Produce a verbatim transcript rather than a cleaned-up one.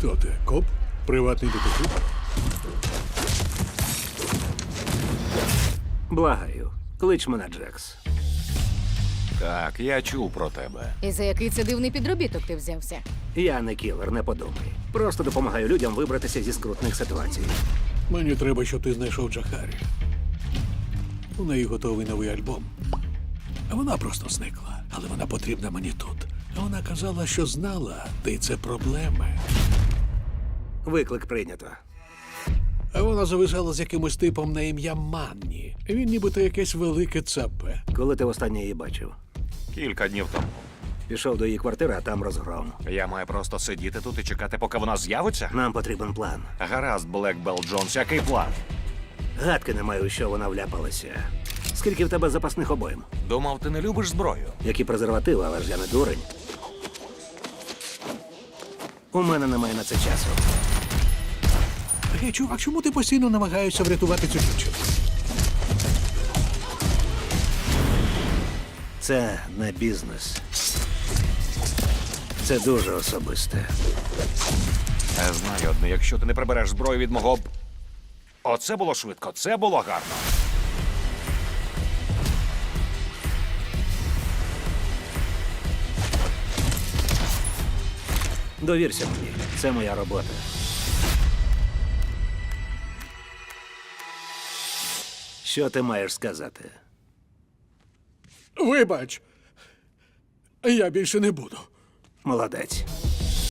Хто ти? Коп? Приватний детектив? Благаю, клич мене Джекс. Так, я чув про тебе. І за який це дивний підробіток ти взявся? Я не кілер, не подумай. Просто допомагаю людям вибратися зі скрутних ситуацій. Мені треба, щоб ти знайшов Джахарі. У неї готовий новий альбом. А вона просто зникла. Але вона потрібна мені тут. А вона казала, що знала, ти це проблеми. Виклик прийнято. А вона зависала з якимось типом на ім'я Манні. Він нібито якесь велике цапе. Коли ти востаннє її бачив? Кілька днів тому. Пішов до її квартири, а там розгром. Я маю просто сидіти тут і чекати, поки вона з'явиться? Нам потрібен план. Гаразд, Блекбелл Джонс, який план? Гадки не маю, у що вона вляпалася. Скільки в тебе запасних обоїм? Думав, ти не любиш зброю. Які презервативи, але ж я не дурень. У мене немає на це часу. Гей, чувак, чому ти постійно намагаєшся врятувати цю дівчину? Це не бізнес. Це дуже особисте. Я знаю одне, якщо ти не прибереш зброю від мого... б- Оце було швидко, це було гарно. Довірся мені. Це моя робота. Що ти маєш сказати? Вибач, я більше не буду. Молодець.